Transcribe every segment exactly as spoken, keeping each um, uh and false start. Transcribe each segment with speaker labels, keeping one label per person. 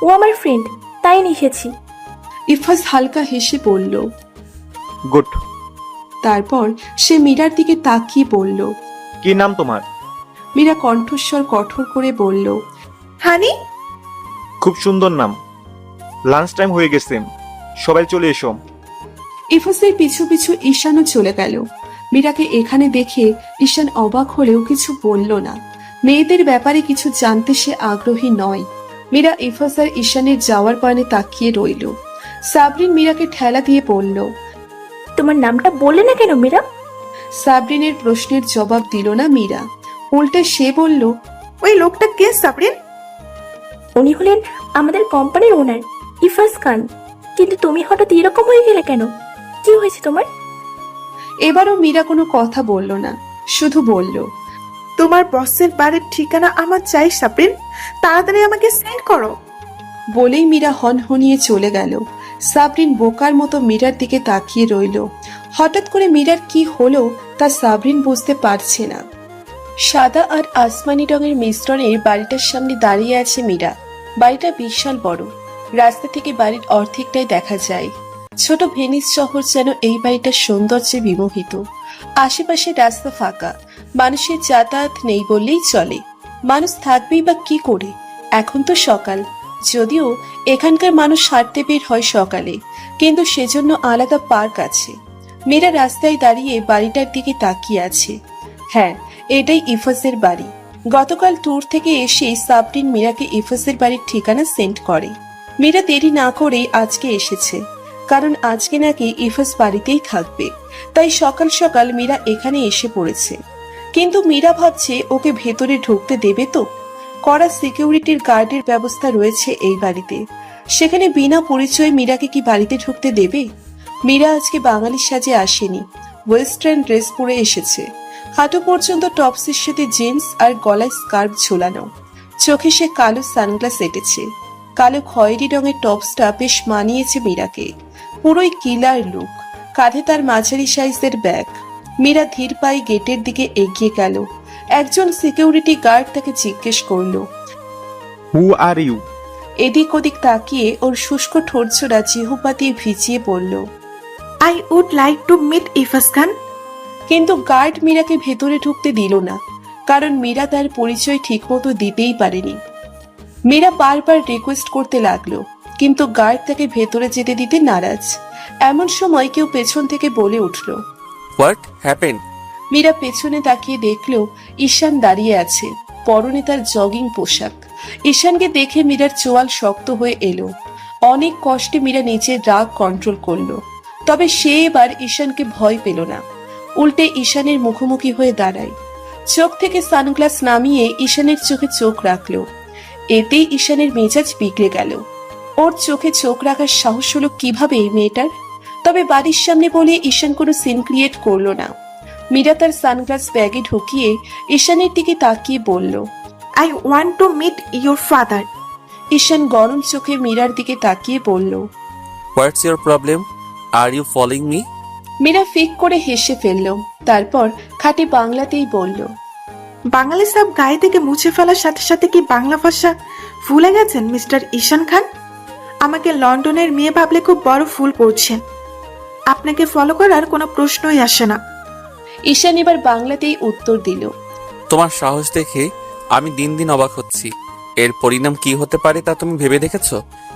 Speaker 1: ও আমার ফ্রেন্ড, তাই নিয়ে এসেছি।
Speaker 2: ইফাজ হালকা হেসে বলল।
Speaker 3: গুড।
Speaker 2: তারপর সে মীরার দিকে তাকিয়ে বলল।
Speaker 3: কি নাম তোমার?
Speaker 2: মীরা কণ্ঠস্বর কঠোর করে বলল।
Speaker 4: হানি।
Speaker 3: খুব সুন্দর নাম। লাঞ্চ টাইম হয়ে গেছে, সবাই চলে এসো।
Speaker 2: ইফাজের পিছু পিছু ঈশানও চলে গেল। মীরাকে এখানে দেখে ঈশান অবাক হলেও কিছু বলল না। মেয়েদের ব্যাপারে কিছু জানতে সে আগ্রহী নয়। মীরা ইফাজ আর ঈশানের যাওয়ার পানে তাকিয়ে রইল। সাবরিন মীরাকে ঠেলা দিয়ে বলল।
Speaker 1: তোমার নামটা বললে না কেন মীরা?
Speaker 2: সাবরিনের প্রশ্নের জবাব দিল না মীরা। উল্টে সে বলল।
Speaker 4: ওই লোকটা কে সাবরিন?
Speaker 1: উনি হলেন আমাদের কোম্পানির ওনার, ইফাজ খান। কিন্তু তুমি হঠাৎ এরকম হয়ে গেলে কেন? কি হয়েছে তোমার?
Speaker 2: এবারও মীরা কোনো কথা বলল না, শুধু বলল।
Speaker 4: তোমার বসের বাড়ির ঠিকানা আমার চাই সাবরিন, তাড়াতাড়ি আমাকে সেন্ড করো।
Speaker 2: বলেই মীরা হনহনিয়ে চলে গেল। সাবরিন বোকার মতো মীরার দিকে তাকিয়ে রইল। হঠাৎ করে মীরার কি হলো তা সাবরিন বুঝতে পারছে না। সাদা আর আসমানি রঙের মিশ্রণের বাড়িটার সামনে দাঁড়িয়ে আছে মীরা। বাড়িটা বিশাল বড়, রাস্তা থেকে বাড়ির অর্ধেকটাই দেখা যায়। ছোট ভেনিস শহর যেন এই বাড়িটার সৌন্দর্যে বিমোহিত। আশেপাশে রাস্তা ফাঁকা, মানুষের যাতায়াত নেই বললেই চলে। মানুষ থাকবেই বা কি করে? এখন তো সকাল, যদিও এখানকার মানুষ হাঁটতে বের হয় সকালে, কিন্তু সেজন্য আলাদা পার্ক আছে। মীরা রাস্তায় দাঁড়িয়ে বাড়িটার দিকে তাকিয়ে আছে। হ্যাঁ, এটাই ইফাজের বাড়ি। গতকাল ট্যুর থেকে এসে সাবরিন মীরাকে ইফাজের বাড়ির ঠিকানা সেন্ড করে। মীরা দেরি না করে আজকে এসেছে, কারণ আজকে নাকি ইফাজ বাড়িতেই থাকবে। তাই সকাল সকাল মীরা এখানে এসে পড়েছে। কিন্তু মীরা ভাবছে ওকে ভেতরে ঢুকতে দেবে তো? কড়া সিকিউরিটির গার্ডের ব্যবস্থা রয়েছে এই বাড়িতে, সেখানে বিনা পরিচয়ে মীরাকে কি বাড়িতে ঢুকতে দেবে? মীরা আজকে বাঙালি সাজে আসেনি, ওয়েস্টার্ন ড্রেস পরে এসেছে। হাঁটু পর্যন্ত টপসের সাথে জিন্স আর গলায় স্কার্ফ ঝোলানো। চোখে সে কালো সানগ্লাস এঁটেছে। কালো খয়েরি রঙের টপসটা বেশ মানিয়েছে মীরাকে। পুরোই কিলার লুক, কাঁধে তার মাঝারি সাইজের ব্যাগ। মীরা ধীর পায়ে গেটের দিকে এগিয়ে গেল। একজন সিকিউরিটি গার্ড তাকে জিজ্ঞেস করলো।
Speaker 3: Who are you?
Speaker 2: এদিক ওদিক তাকিয়ে ওর শুষ্ক ঠোঁটজোড়া জিহ্বা দিয়ে ভিজিয়ে বলল।
Speaker 4: I would like to meet Ifaz Khan.
Speaker 2: কিন্তু গার্ড মীরাকে ভেতরে ঢুকতে দিল না, কারণ মীরা তার পরিচয় ঠিকমতো দিতেই পারেনি। মীরা বারবার রিকোয়েস্ট করতে লাগলো, কিন্তু গার্ড তাকে ভেতরে যেতে দিতে নারাজ। এমন সময় কেউ পেছন থেকে বলে উঠল।
Speaker 5: What happened?
Speaker 2: মীরা পেছনে তাকিয়ে দেখলো ঈশান দাঁড়িয়ে আছে, পরনে তার জগিং পোশাক। ঈশানকে দেখে মীরার চোয়াল শক্ত হয়ে এলো। অনেক কষ্টে মীরা নিজের রাগ কন্ট্রোল করলো, তবে সে এবার ঈশানকে ভয় পেল না। উল্টে ঈশানের মুখোমুখি হয়ে দাঁড়ায়। চোখ থেকে সানগ্লাস নামিয়ে ঈশানের চোখে চোখ রাখলো। এতেই ঈশানের মেজাজ বিগড়ে গেল। ওর চোখে চোখ রাখার সাহস হলো কিভাবে এই মেয়েটার? তবে বাড়ির সামনে বলে ঈশান কোনো সিন ক্রিয়েট করলো না। মীরা তার সানগ্লাস ব্যাগে ঢুকিয়ে ঈশানের দিকে তাকিয়ে বলল।
Speaker 4: I want to meet your father.
Speaker 2: Ishan গরম চোখে মীরার দিকে তাকিয়ে বলল।
Speaker 5: What's your problem? Are you following me?
Speaker 2: Mira ফিক করে হেসে ফেলল, তারপর খাঁটি বাংলাতেই বলল।
Speaker 4: বাঙালি সব গায়ে থেকে মুছে ফেলার সাথে সাথে কি বাংলা ভাষা ভুলে গেছেন মিস্টার ঈশান খান? আমাকে লন্ডনের মেয়ে ভাবলে খুব বড় ভুল করছেন। আপনাকে ফলো করার কোনো প্রশ্নই আসে না।
Speaker 2: ঈশান এবার বাংলাতেই উত্তর দিল।
Speaker 5: তোমার সাহস দেখে আমি দিন দিন অবাক হচ্ছি। এর পরিণাম কি হতে পারে তা তুমি ভেবে দেখেছো?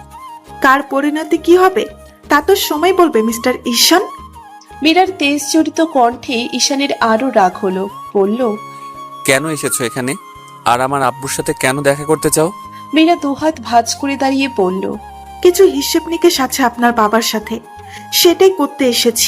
Speaker 4: কার পরিণতি কি হবে তা তো সময় বলবে মিস্টার ঈশান।
Speaker 2: মীরার তেজ জড়িত কণ্ঠে ঈশানের আরো রাগ হলো। বলল।
Speaker 5: কেন এসেছো এখানে? আর আমার আব্বুর সাথে কেন দেখা করতে চাও?
Speaker 2: মীরা দুহাত ভাঁজ করে দাঁড়িয়ে বলল।
Speaker 4: কিছু হিসেব নিকেশ আছে আপনার বাবার সাথে, সেটাই করতে এসেছি।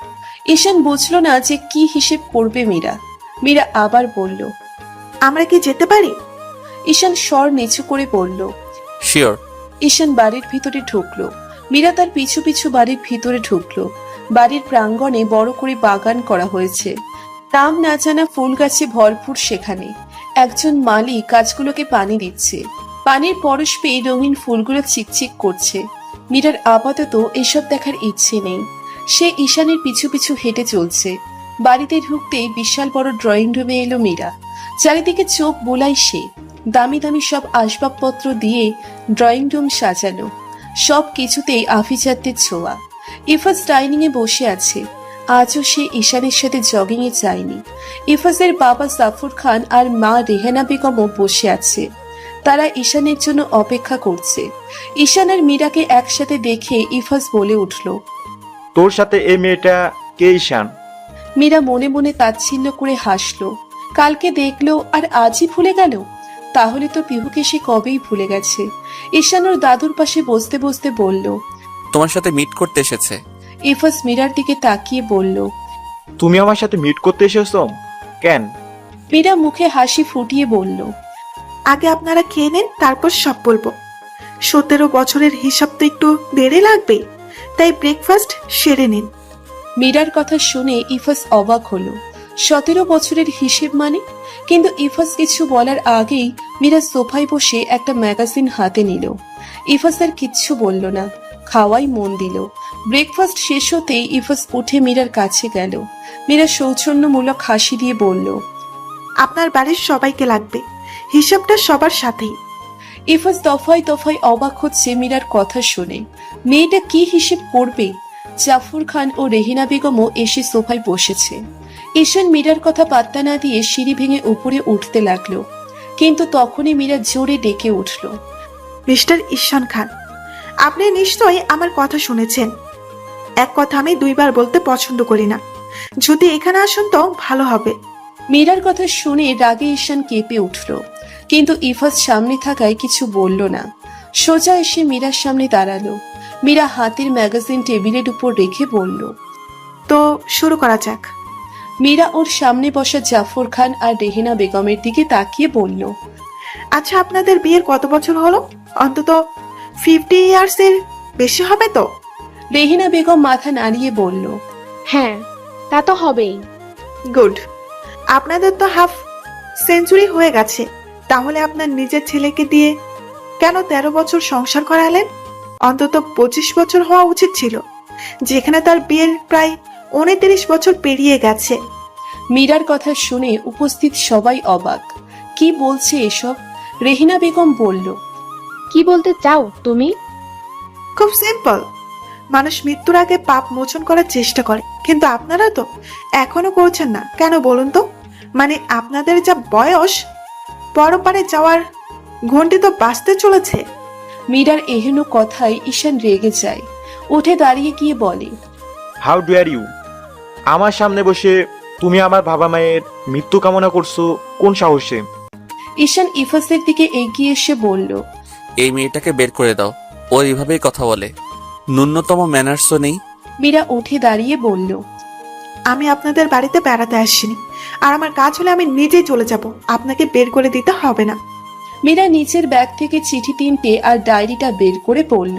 Speaker 2: ঈশান বুঝলো না যে কি হিসেব করবে মীরা। মীরা আবার বলল।
Speaker 4: আমরা কি যেতে পারি?
Speaker 2: ঈশান স্বর নিচু করে বলল।
Speaker 5: শিওর।
Speaker 2: ঈশান বাড়ির ভিতরে ঢুকলো। মীরা তার পিছু পিছু বাড়ির ভিতরে ঢুকলো। বাড়ির প্রাঙ্গণে বড় করে বাগান করা হয়েছে। নাম না জানা ফুল গাছে ভরপুর সেখানে। একজন মালি গাছগুলোকে পানি দিচ্ছে। পানির পরশ পেয়ে রঙিন ফুলগুলো চিকচিক করছে। মীরার আপাতত এসব দেখার ইচ্ছে নেই। সে ঈশানের পিছু পিছু হেঁটে চলছে। বাড়িতে ঢুকতেই বিশাল বড় ড্রয়িং রুমে এলো মীরা। চারিদিকে চোখ বোলাই সে। দামি দামি সব আসবাবপত্র দিয়ে ড্রয়িং রুম সাজানো, সব কিছুতেই আভিজাত্যের ছোঁয়া। ইফাজ ডাইনিং এ বসে আছে। আজও সে ঈশানের সাথে জগিং এ যায়নি। ইফাজের বাবা জাফর খান আর মা রেহানা বেগমও বসে আছে। তারা ঈশানের জন্য অপেক্ষা করছে। ঈশান আর মীরাকে একসাথে দেখে ইফাজ বলে উঠল,
Speaker 3: তোর সাথে এই মেয়েটা কে ঈশান?
Speaker 2: মীরা মনে মনে তাচ্ছিল্য করে হাসলো। কালকে দেখলো আর আজই ভুলে গেল? তাহলে তো পিহুকে সে কবেই ভুলে গেছে। ঈশান ওর দাদুর পাশে বসতে বসতে বলল।
Speaker 5: তোমার সাথে মিট করতে এসেছে।
Speaker 2: ইফাজ মীরার দিকে তাকিয়ে বলল,
Speaker 3: তুমি আমার সাথে মিট করতে এসেছো কেন?
Speaker 2: মীরা মুখে হাসি ফুটিয়ে বলল,
Speaker 4: আগে আপনারা খেয়ে নেন, তারপর সব বলবো। সতেরো বছরের হিসাব তো একটু দেরি লাগবে, তাই ব্রেকফাস্ট সেরে নিন।
Speaker 2: মীরার কথা শুনে ইফাজ অবাক হলো। সতেরো বছরের হিসেব মানে? কিন্তু ইফাজ কিছু বলার আগেই মীরা সোফায় বসে একটা ম্যাগাজিন হাতে নিল। ইফাজ আর কিচ্ছু বলল না, খাওয়াই মন দিল। ব্রেকফাস্ট শেষ হতেই ইফাজ উঠে মীরার কাছে গেল। মীরা সৌজন্যমূলক হাসি দিয়ে বলল,
Speaker 4: আপনার বাড়ির সবাইকে লাগবে, হিসাবটা সবার সাথেই।
Speaker 2: ইফাজ দফায় দফায় অবাক হচ্ছে মীরার কথা শুনে। মেয়েটা কি হিসেব করবে? জাফর খান ও রেহিনা বেগমও এসে সোফায় বসেছে। ঈশান মীরার কথা পাত্তা না দিয়ে সিঁড়ি ভেঙে উপরে উঠতে লাগলো, কিন্তু তখনই মীরা জোরে ডেকে উঠল,
Speaker 4: মিস্টার ঈশান খান, আপনি নিশ্চয়ই আমার কথা শুনেছেন। এক কথা আমি দুইবার বলতে পছন্দ করি না, যদি এখানে আসুন তো ভালো হবে।
Speaker 2: মীরার কথা শুনে রাগে ঈশান কেঁপে উঠল, কিন্তু ইফাজ সামনে থাকায় কিছু বলল না। সোজা এসে মীরার সামনে দাঁড়ালো। মীরা হাতের ম্যাগাজিন টেবিলের উপর রেখে বলল,
Speaker 4: তো শুরু করা যাক।
Speaker 2: মীরা ওর সামনে বসা জাফর খান আর রেহেনা বেগমের দিকে তাকিয়ে বলল,
Speaker 4: আচ্ছা, আপনাদের বিয়ের কত বছর হলো? অন্তত ফিফটি ইয়ার্স এর বেশি হবে তো?
Speaker 2: রেহেনা বেগম মাথা নাড়িয়ে বলল,
Speaker 1: হ্যাঁ, তা তো হবেই।
Speaker 4: গুড। আপনাদের তো হাফ সেঞ্চুরি হয়ে গেছে, তাহলে আপনার নিজের ছেলেকে দিয়ে কেন তেরো বছর সংসার করালেন? অন্তত পঁচিশ বছর হওয়া উচিত ছিল, যেখানে তার বিয়ের প্রায় উনত্রিশ বছর পেরিয়ে গেছে।
Speaker 2: মীরার কথা শুনে উপস্থিত সবাই অবাক। কি বলছে এসব? রেহিনা বেগম বলল,
Speaker 1: কি বলতে চাও তুমি?
Speaker 4: খুব সিম্পল, মানুষ মৃত্যুর আগে পাপ মোচন করার চেষ্টা করে, কিন্তু আপনারা তো এখনো করছেন না। কেন বলুন তো? মানে আপনাদের যা বয়স, পরপারে যাওয়ার ঘন্টি তো বাঁচতে চলেছে।
Speaker 2: মীরার এহেন কথায় ঈশান রেগে যায়। উঠে দাঁড়িয়ে গিয়ে বলে,
Speaker 3: হাউ ডেয়ার ইউ? আমার সামনে বসে তুমি আমার বাবা মায়ের মৃত্যু কামনা করছো কোন সাহসে?
Speaker 2: ঈশান ইফাজের দিকে এগিয়ে এসে বলল,
Speaker 5: এই মেয়েটাকে বের করে দাও, ও এইভাবেই কথা বলে, ন্যূনতম ম্যানার্সও নেই।
Speaker 2: মীরা উঠে দাঁড়িয়ে বলল,
Speaker 4: আমি আপনাদের বাড়িতে বেড়াতে আসিনি, আর আমার কাজ হলে আমি নিজেই চলে যাব, আপনাকে বের করে দিতে হবে না।
Speaker 2: মীরা নিচের ব্যাগ থেকে চিঠি তিনটে আর ডায়েরিটা বের করে পড়ল।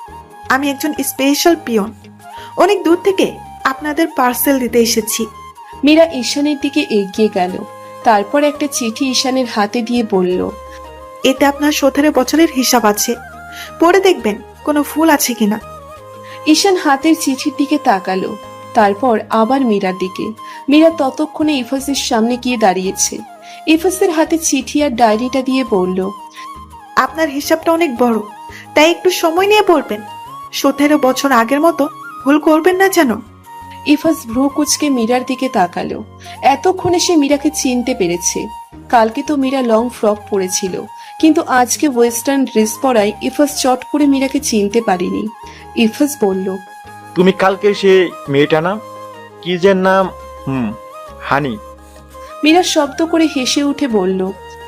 Speaker 4: আমি একজন স্পেশাল পিয়ন, অনেক দূর থেকে আপনাদের পার্সেল দিতে এসেছি।
Speaker 2: মীরা ঈশানের দিকে এগিয়ে গেল। তারপর একটা চিঠি ঈশানের হাতে দিয়ে বলল,
Speaker 4: এতে আপনার সতেরো বছরের হিসাব আছে, পড়ে দেখবেন কোনো ফুল আছে কিনা।
Speaker 2: ঈশান হাতের চিঠির দিকে তাকালো, তারপর আবার মীরার দিকে। মীরা ততক্ষণে ইফাজের সামনে গিয়ে দাঁড়িয়েছে। ইফাজের হাতে চিঠি আর ডায়েরিটা দিয়ে বলল,
Speaker 4: আপনার হিসাবটা অনেক বড়, তাই একটু সময় নিয়ে পড়বেন। সতেরো বছর আগের মতো ভুল করবেন না যেন।
Speaker 2: ইফাজ ভ্রু কুচকে মীরার দিকে তাকালো। এতক্ষণে সে মীরাকে চিনতে পেরেছে। কালকে তো মীরা লং ফ্রক পরেছিল, কিন্তু আজকে ওয়েস্টার্ন ড্রেস পরায় ইফাজ চট করে মীরাকে চিনতে পারেনি। ইফাজ বলল,
Speaker 3: তুমি কালকে সে মেয়েটা না? কি যে নাম? হুম, হানি।
Speaker 2: মীরা শব্দ করে হেসে উঠে বলল,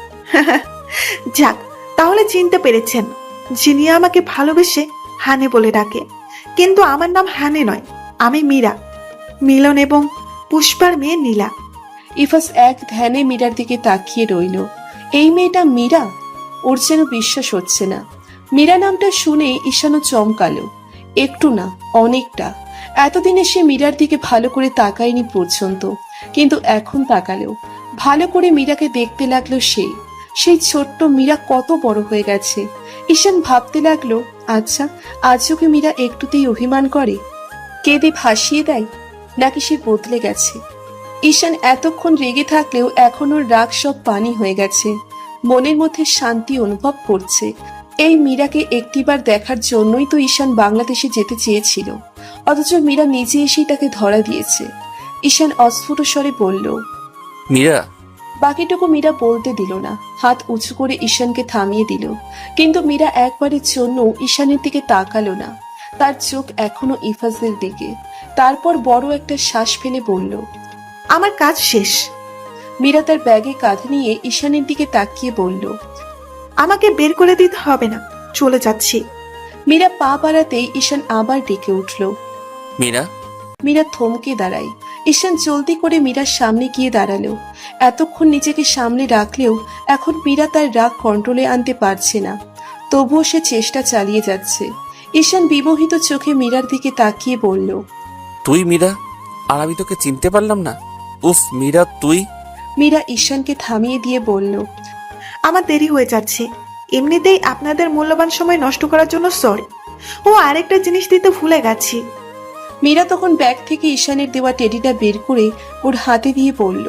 Speaker 4: যাক, তাহলে চিনতে পেরেছেন। যিনি আমাকে ভালোবেসে হানে বলে ডাকে, কিন্তু আমার নাম হানে নয়, আমি মীরা, মিলন এবং পুষ্পার মেয়ে নীলা।
Speaker 2: ইফাজ এক ধ্যানে মীরার দিকে তাকিয়ে রইল। এই মেয়েটা মীরা? ওর যেন বিশ্বাস হচ্ছে না। মীরা নামটা শুনে ঈশানও চমকালো। একটু না, অনেকটা। এতদিনে সে মীরার দিকে ভালো করে তাকায়নি পর্যন্ত, কিন্তু এখন তাকালো। ভালো করে মীরাকে দেখতে লাগলো সে। সেই ছোট্ট মীরা কত বড় হয়ে গেছে। ঈশান ভাবতে লাগলো, আচ্ছা, আজও কি মীরা একটুতেই অভিমান করে, কেঁদে ভাসিয়ে দেয়, নাকি সে বদলে গেছে? ঈশান এতক্ষণ রেগে থাকলেও এখন ওর রাগ সব পানি হয়ে গেছে। মনের মধ্যে শান্তি অনুভব করছে। এই মীরাকে একটিবার দেখার জন্যই তো ঈশান বাংলাদেশে যেতে চেয়েছিল, অথচ মীরা নিজে এসেই তাকে ধরা দিয়েছে। ঈশান অস্ফুট স্বরে বলল।
Speaker 5: মীরা,
Speaker 2: বাকিটুকু মীরা বলতে দিল না, হাত উঁচু করে ঈশানকে থামিয়ে দিল। কিন্তু মীরা একবারের জন্য ঈশানের দিকে তাকালো না, তার চোখ এখনো ইফাজের দিকে। তারপর বড় একটা শ্বাস ফেলে বলল,
Speaker 4: আমার কাজ শেষ।
Speaker 2: মীরা তার ব্যাগে কাঁধ নিয়ে ঈশানের দিকে তাকিয়ে বলল।
Speaker 4: আমাকে বের করে দিতে হবে না, চলে যাচ্ছি।
Speaker 2: মীরা পা বাড়াতেই ঈশান আবার ডেকে উঠল।
Speaker 5: মীরা।
Speaker 2: মীরা থমকে দাঁড়ায়। ঈশান জলদি করে মীরার সামনে গিয়ে দাঁড়ালো। এতক্ষণ নিজেকে সামনে রাখলেও এখন মীরা তার রাগ কন্ট্রোলে আনতে পারছে না, তবুও সে চেষ্টা চালিয়ে যাচ্ছে। ঈশান বিমোহিত চোখে মীরার দিকে তাকিয়ে বলল।
Speaker 5: তুই মীরা? আর আমি তোকে চিনতে পারলাম না। উফ মীরা, তুই।
Speaker 2: মীরা ঈশানকে থামিয়ে দিয়ে বলল।
Speaker 4: আমার দেরি হয়ে যাচ্ছে, এমনিতেই আপনাদের মূল্যবান সময় নষ্ট করার জন্য সরি। ও আরেকটা জিনিস দিতে ভুলে গেছি।
Speaker 2: মীরা তখন ব্যাগ থেকে ঈশানের দেওয়া টেডিটা বের করে ওর হাতে দিয়ে বলল।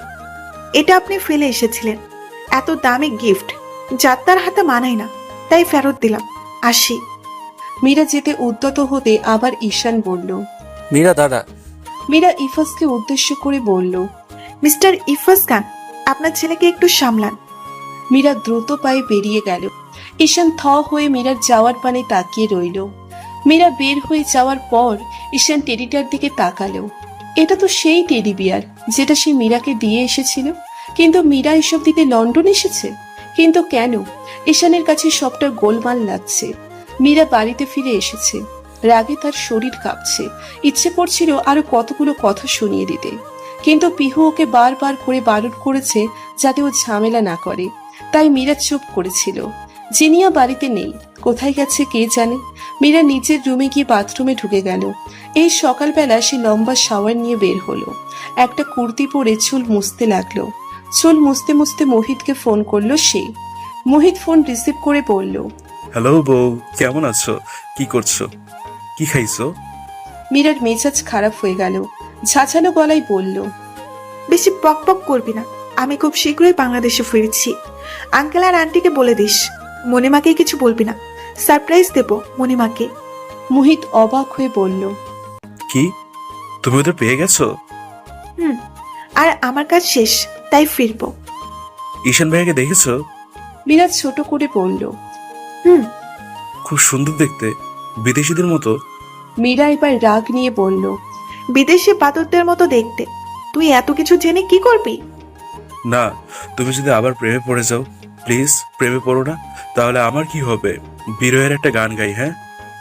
Speaker 4: এটা আপনি ফেলে এসেছিলেন, এত দামি গিফট যাত্রার হাতে মানায় না, তাই ফেরত দিলাম, আসি।
Speaker 2: মীরা যেতে উদ্যত হতে আবার ঈশান বলল।
Speaker 5: মীরা দাঁড়া।
Speaker 2: মীরা ইফাজকে উদ্দেশ্য করে বলল।
Speaker 4: মিস্টার ইফাজ খান, আপনার ছেলেকে একটু সামলান।
Speaker 2: মীরা দ্রুত পায়ে বেরিয়ে গেল। ঈশান থ হয়ে মীরার যাওয়ার পানে তাকিয়ে রইল। মীরা বের হয়ে যাওয়ার পর ঈশান টেডিটার দিকে তাকালো। এটা তো সেই টেডি বিয়ার যেটা সে মীরাকে দিয়ে এসেছিল, কিন্তু মীরা এসব দিতে লন্ডন এসেছে। কিন্তু কেন? ঈশানের কাছে সবটা গোলমাল লাগছে। মীরা বাড়িতে ফিরে এসেছে, রাগে তার শরীর কাঁপছে। ইচ্ছে করছিল আরো কতগুলো কথা শুনিয়ে দিতে, কিন্তু পিহু ওকে বারবার করে বারণ করেছে যাতে ও ঝামেলা না করে। তাই মীরা চুপ করেছিল। জিনিয়া বাড়িতে নেই, কোথায় গেছে কে জানে। মীরা নিজের রুমে গিয়ে বাথরুমে ঢুকে গেল। এই সকালবেলা সে লম্বা শাওয়ার নিয়ে বের হলো। একটা কুর্তি পরে চুল মুছতে লাগলো। চুল মুছতে মুছতে মোহিতকে ফোন করলো সে। মোহিত ফোন রিসিভ করে বলল।
Speaker 6: হ্যালো বউ, কেমন আছো? কি করছো? কি খাইছো?
Speaker 2: মীরার মেজাজ খারাপ হয়ে গেল, ঝাঁঝালো গলায় বলল।
Speaker 4: বেশি পক পক করবি না, আমি খুব শীঘ্রই বাংলাদেশে ফিরছি। আঙ্কেল আর আন্টিকে বলে দিস, মণিমাকে কিছু বলবি না, সারপ্রাইজ দেব মণিমাকে।
Speaker 2: মোহিত অবাক হয়ে বলল।
Speaker 6: কি, তুমি ওদের পেয়ে গেছো?
Speaker 4: হুম, আর আমার কাজ শেষ, তাই ফিরবো।
Speaker 6: ঈশান ভাইয়াকে দেখেছো?
Speaker 2: মীরা ছোট করে বলল।
Speaker 4: হুম।
Speaker 6: খুব সুন্দর দেখতে, বিদেশিদের মতো।
Speaker 2: মীরা এবার রাগ নিয়ে বলল।
Speaker 4: বিদেশি বাদরদের মতো দেখতে, তুই এত কিছু জেনে কি করবি?
Speaker 6: না, তুমি যদি আবার প্রেমে পড়ে যাও, প্লিজ প্রেমে পড়ো না, তাহলে আমার কি হবে? বিরহের একটা গান গাই। হ্যাঁ,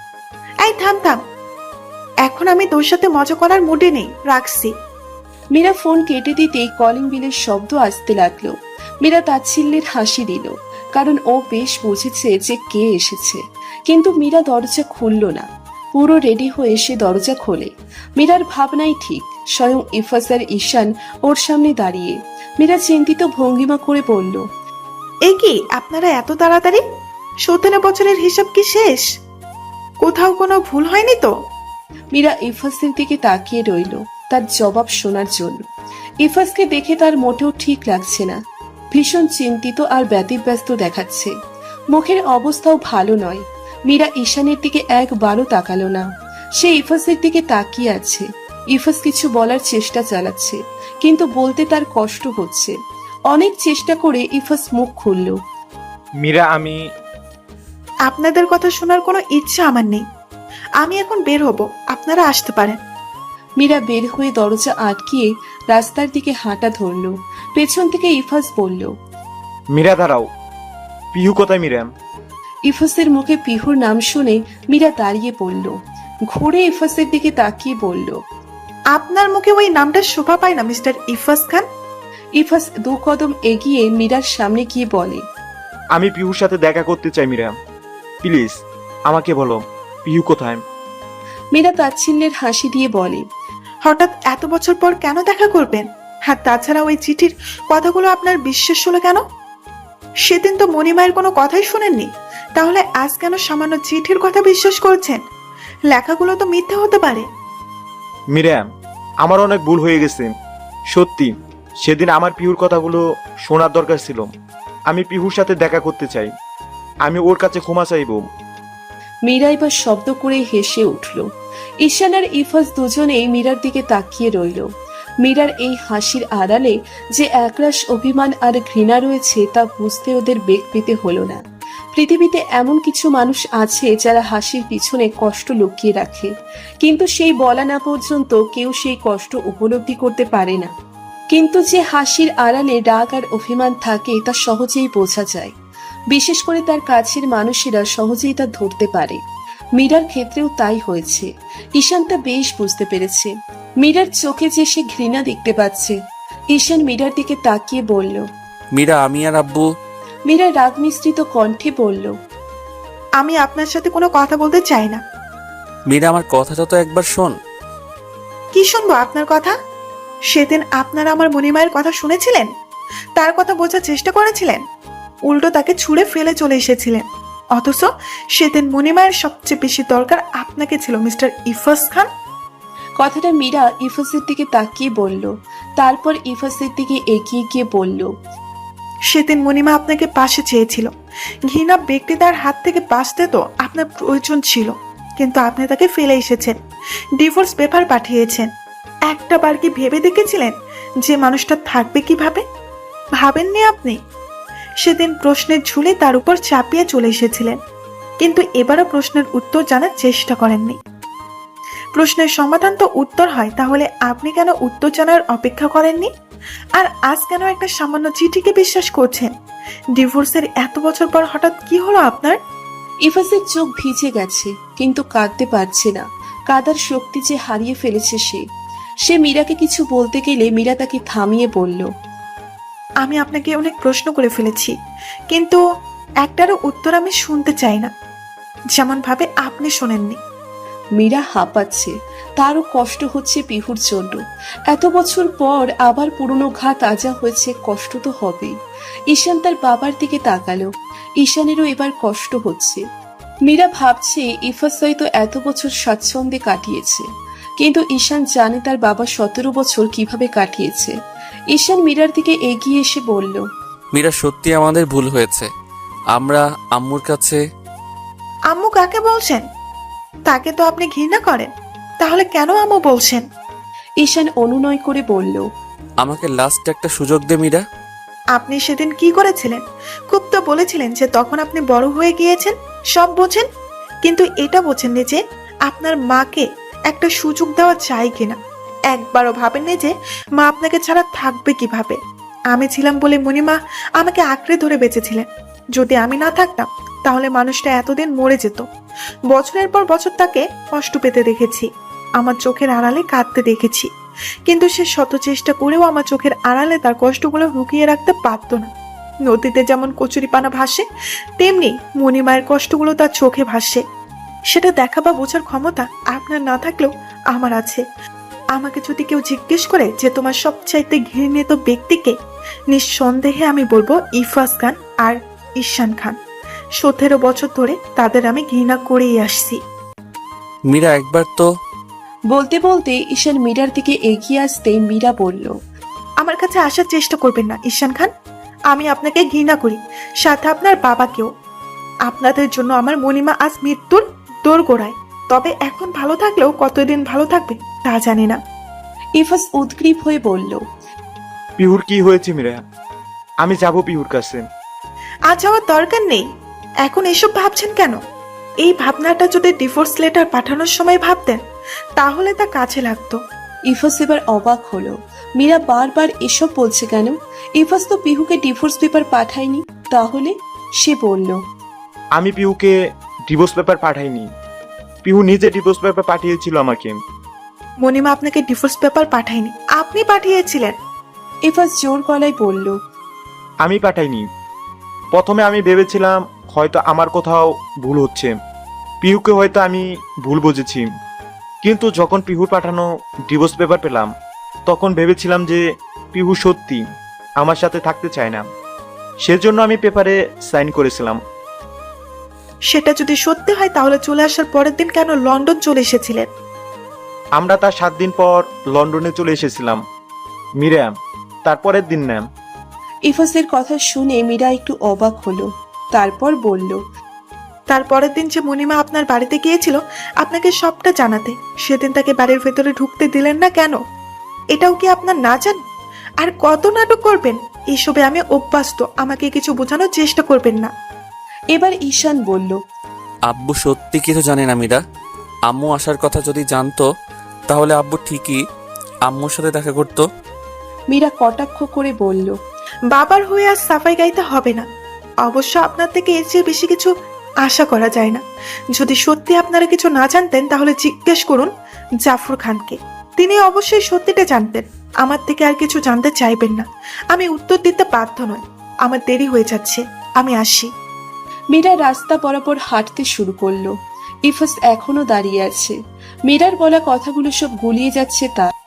Speaker 4: এই থাম থাম, এখন আমি তোর সাথে মজা করার মুডে নেই, রাখছি।
Speaker 2: মীরা ফোন কেটে দিতেই কলিং বিলের শব্দ আসতে লাগলো। মীরা তাচ্ছিল্যের হাসি দিল, কারণ ও বেশ বুঝেছে যে কে এসেছে। কিন্তু মীরা দরজা খুলল না। পুরো রেডি হয়ে সে দরজা খোলে। মীরার ভাবনাই ঠিক, স্বয়ং ইফাজ আর ঈশান ওর সামনে দাঁড়িয়ে। মীরা চিন্তিত ভঙ্গিমা করে বলল।
Speaker 4: এই কি আপনারা এত তাড়াতাড়ি? সতেরো বছরের হিসাব কি শেষ? কোথাও কোনো ভুল হয়নি তো?
Speaker 2: মীরা ইফাজের দিকে তাকিয়ে রইল তার জবাব শোনার জন্য। ইফাজকে দেখে তার মোটেও ঠিক লাগছে না। ভীষণ চিন্তিত আর ব্যতিব্যস্ত দেখাচ্ছে। মুখের অবস্থাও ভালো নয়। মীরা ঈশানের দিকে একবারও তাকালো না। সে ইফাজের দিকে তাকিয়ে আছে। ইফাজ কিছু বলার চেষ্টা চালাচ্ছে, কিন্তু বলতে তার কষ্ট হচ্ছে। অনেক চেষ্টা করে ইফাজ মুখ খুলল।
Speaker 3: মীরা, আমি
Speaker 4: আপনাদের কথা শোনার কোনো ইচ্ছা আমার নেই। আমি এখন বের হব, আপনারা আসতে পারেন।
Speaker 2: মীরা বের হয়ে দরজা আটকিয়ে রাস্তার দিকে হাঁটা ধরল। পেছন থেকে ইফাজ বলল।
Speaker 3: মীরা দাঁড়াও। পিহু কোথায় মীরা?
Speaker 2: ইফাসের মুখে পিহুর নাম শুনে মীরা দাঁড়িয়ে পড়ল। ঘুরে ইফাসের দিকে তাকিয়ে বলল।
Speaker 4: আপনার মুখে ওই নামটা শোভা পায় না মিস্টার ইফাজ খান।
Speaker 2: ইফাস দু কদম এগিয়ে মীরার সামনে গিয়ে বলে।
Speaker 3: আমি পিহুর সাথে দেখা করতে চাই মীরা, প্লিজ আমাকে বলো পিহু কোথায়?
Speaker 2: মীরা তাচ্ছিল্যের হাসি দিয়ে বলে।
Speaker 4: হঠাৎ এত বছর পর কেন দেখা করবেন? আর তাছাড়া ওই চিঠির কথাগুলো আপনার বিশ্বাস হলো কেন? সেদিন তো মণিমায়ের কোনো কথাই শুনেননি, তাহলে আজ কেন সামান্য চিঠির কথা বিশ্বাস করছেন? লেখাগুলো তো মিথ্যে হতে পারে।
Speaker 3: মীরা, আমার অনেক ভুল হয়ে গেছে। সত্যি সেদিন আমার পিহুর কথাগুলো শোনার দরকার ছিল, আমি পিহুর সাথে দেখা করতে চাই। আমি ওর কাছে ক্ষমা চাইব।
Speaker 2: মীরা এবার শব্দ করে হেসে উঠল। ঈশান আর ইফাজ দুজনেই মীরার দিকে তাকিয়ে রইল। মীরার এই হাসির আড়ালে যে একরাশ অভিমান আর ঘৃণা রয়েছে তা বুঝতে ওদের বেগ পেতে হলো না। পৃথিবীতে এমন কিছু মানুষ আছে যারা হাসির পিছনে কষ্ট লুকিয়ে রাখে, কিন্তু সেই বলা না পর্যন্ত কেউ সেই কষ্ট উপলব্ধি করতে পারে না। কিন্তু যে হাসির আড়ালে রাগ আর অভিমান থাকে তা সহজেই বোঝা যায়। বিশেষ করে তার কাছের মানুষেরা সহজেই তা ধরতে পারে। মীরার ক্ষেত্রেও তাই হয়েছে। ঈশান তা বেশ বুঝতে পেরেছে। মীরার চোখে যে সে ঘৃণা দেখতে পাচ্ছে। ঈশান মীরার দিকে তাকিয়ে বলল।
Speaker 5: মীরা, আমি আর আব্বু।
Speaker 2: মীরা রাগ মিশ্রিত কণ্ঠে বলল,
Speaker 4: আমি আপনার সাথে কোনো কথা বলতে চাই না।
Speaker 5: মীরা, আমার কথাটা তো একবার শোন।
Speaker 4: কি শুনবো আপনার কথা? সেদিন আপনারা আমার মণিমায়ের কথা শুনেছিলেন, তার কথা বোঝার চেষ্টা করেছিলেন, উল্টো তাকে ছুঁড়ে ফেলে চলে এসেছিলেন। অথচ সেদিন মণিমায়ের সবচেয়ে বেশি দরকার আপনাকে ছিল মিস্টার ইফাস খান।
Speaker 2: কথাটা মীরা ইফাসের দিকে তাকিয়ে বলল। তারপর ইফাসের দিকে এগিয়ে গিয়ে বলল,
Speaker 4: সেদিন মণিমা আপনাকে পাশে চেয়েছিল। ঘৃণা ব্যক্তি তার হাত থেকে বাঁচতে তো আপনার প্রয়োজন ছিল, কিন্তু আপনি তাকে ফেলে এসেছেন, ডিভোর্স পেপার পাঠিয়েছেন। একটা বার কি ভেবে দেখেছিলেন যে মানুষটা থাকবে কিভাবে? ভাবেননি আপনি? সেদিন প্রশ্নের ঝুলে তার উপর চাপিয়ে চলে এসেছিলেন, কিন্তু এবারও প্রশ্নের উত্তর জানার চেষ্টা করেননি। প্রশ্নের সমাধান তো উত্তর হয়, তাহলে আপনি কেন উত্তর জানার অপেক্ষা করেননি? আর আজ কেন একটা সামান্য চিঠিকে বিশ্বাস করছেন? ডিভোর্সের এত বছর পর হঠাৎ কি হলো আপনার?
Speaker 2: ইফাসের চোখ ভিজে গেছে, কিন্তু কাঁদতে পারছে না। কাদার শক্তি যে হারিয়ে ফেলেছে সে। সে মীরাকে কিছু বলতে গেলে মীরা তাকে থামিয়ে বলল,
Speaker 4: আমি আপনাকে অনেক প্রশ্ন করে ফেলেছি, কিন্তু একটারও উত্তর আমি শুনতে চাই না, যেমন ভাবে আপনি শোনেননি।
Speaker 2: মীরা হাঁপাচ্ছে। তারও কষ্ট হচ্ছে পিহুর জন্য। এত বছর পর আবার পুরনো ঘা তাজা হয়েছে, কষ্ট তো হবেই। ঈশান তার বাবার দিকে তাকালো। ঈশানেরও এবার কষ্ট হচ্ছে। মীরা ভাবছে ইফাস হয়তো এত বছর স্বাচ্ছন্দ্যে কাটিয়েছে, কিন্তু ঈশান জানে তার বাবা সতেরো বছর কিভাবে কাটিয়েছে। ঈশান মীরার দিকে এগিয়ে এসে বলল,
Speaker 5: মীরা, সত্যি আমাদের ভুল হয়েছে। আমরা আম্মুর কাছে।
Speaker 4: আম্মু কাকে বলছেন? তাকে তো আপনি ঘৃণা করেন, তাহলে কেন আম্মু বলছেন?
Speaker 2: ঈশান অনুনয় করে বলল,
Speaker 5: আমাকে লাস্ট একটা সুযোগ দে মীরা।
Speaker 4: আপনি সেদিন কি করেছিলেন? খুব তো বলেছিলেন যে তখন আপনি বড় হয়ে গিয়েছেন, সব বোঝেন, কিন্তু এটা বোঝেননি যে আপনার মাকে একটা সুযোগ দেওয়া চাই কিনা। একবারও ভাবেননি যে মা আপনাকে ছাড়া থাকবে কিভাবে। আমি ছিলাম বলে মণিমা আমাকে আঁকড়ে ধরে বেঁচেছিলেন। যদি আমি না থাকতাম তাহলে মানুষটা এতদিন মরে যেত। বছরের পর বছর তাকে কষ্ট পেতে দেখেছি, আমার চোখের আড়ালে কাঁদতে দেখেছি, কিন্তু সে শত চেষ্টা করেও আমার চোখের আড়ালে তার কষ্টগুলো লুকিয়ে রাখতে পারতো না। নদীতে যেমন কচুরিপানা ভাসে, তেমনি মণিমায়ের কষ্টগুলো তার চোখে ভাসে। সেটা দেখা বা বোঝার ক্ষমতা আপনার না থাকলেও আমার আছে। আমাকে যদি কেউ জিজ্ঞেস করে যে তোমার সবচাইতে ঘৃণিত ব্যক্তিকে, নিঃসন্দেহে আমি বলবো ইফাস খান আর ঈশান খান। সতেরো বছর ধরে তাদের আমি ঘৃণা করেই আসছি।
Speaker 5: মীরা, একবার তো।
Speaker 2: বলতে বলতে ঈশান মীরার দিকে এগিয়ে আসতেই মীরা বলল,
Speaker 4: আমার কাছে আসার চেষ্টা করবেন না ঈশান খান। আমি আপনাকে ঘৃণা করি, সাথে আপনার বাবাকেও। আপনাদের জন্য আমার মণিমা আজ মৃত্যুর দোরগোড়ায়। তবে এখন ভালো থাকলেও কতদিন ভালো থাকবে তা জানি না।
Speaker 2: ইফাস উদ্গ্রীব হয়ে বলল,
Speaker 3: পিহুর কি হয়েছে মীরা? আমি যাব পিহুর কাছে।
Speaker 4: আজ যাওয়ার দরকার নেই। এখন এসব ভাবছেন কেন? এই ভাবনাটা যদি ডিভোর্স লেটার পাঠানোর সময় ভাবতেন তাহলে তা কাছে লাগতো।
Speaker 2: ইফাস এবার অবাক হলো। মীরা বারবার এসব বলছে কেন? ইফাস তো পিহুকে ডিভোর্স পেপার পাঠায়নি। তাহলে? সে বলল,
Speaker 3: আমি পিহুকে ডিভোর্স পেপার পাঠাইনি। পিহু নিজে ডিভোর্স পেপার পাঠিয়েছিল আমাকে।
Speaker 4: মণিমা আপনাকে ডিভোর্স পেপার পাঠায়নি, আপনি পাঠিয়েছিলেন।
Speaker 2: ইফাস জোর গলায় বলল,
Speaker 3: আমি পাঠাইনি। প্রথমে আমি ভেবেছিলাম হয়তো আমার কোথাও ভুল হচ্ছে, পিহুকে হয়তো আমি ভুল বুঝেছি। কিন্তু যখন পিহুর পাঠানো ডিভোর্স পেপার পেলাম তখন ভেবেছিলাম যে পিহু সত্যি আমার সাথে থাকতে চায় না। সেজন্য আমি পেপারে সাইন করেছিলাম।
Speaker 4: সেটা যদি সত্যি হয় তাহলে চলে আসার পরের দিন কেন লন্ডন চলে এসেছিলেন?
Speaker 3: আমরা তার সাত দিন পর লন্ডনে চলে এসেছিলাম। মীরা, তারপরের দিন না।
Speaker 2: ইফাসের কথা শুনে মীরা একটু অবাক হলো, তারপর বলল,
Speaker 4: তারপরের দিন যে মণিমা আপনার বাড়িতে গিয়েছিল আপনাকে সবটা জানাতে, সেদিন তাকে বাড়ির ভেতরে ঢুকতে দিলেন না কেন? এটাও কি আপনার না জানো? আর কত নাটক করবেন? এসবে আমি অভ্যস্ত, আমাকে কিছু বোঝানোর চেষ্টা করবেন না।
Speaker 2: এবার ঈশান বলল,
Speaker 5: আব্বু সত্যি কিছু জানে না মীরা। আম্মু আসার কথা যদি জানতো তাহলে আব্বু ঠিকই আম্মুর সাথে দেখা করতো।
Speaker 2: মীরা কটাক্ষ করে বলল,
Speaker 4: বাবার হয়ে আর সাফাই গাইতে হবে না। অবশ্য আপনার থেকে এর চেয়ে বেশি কিছু আশা করা যায় না। যদি সত্যি আপনারা কিছু না জানতেন তাহলে জিজ্ঞেস করুন জাফর খানকে, তিনি অবশ্যই সত্যিটা জানতেন। আমার থেকে আর কিছু জানতে চাইবেন না। আমি উত্তর দিতে বাধ্য নয়, আমার দেরি হয়ে যাচ্ছে, আমি আসি।
Speaker 2: মীরা রাস্তা বরাবর হাঁটতে শুরু করলো। ইফাস এখনো দাঁড়িয়ে আছে। মীরার বলা কথাগুলো সব গুলিয়ে যাচ্ছে তার।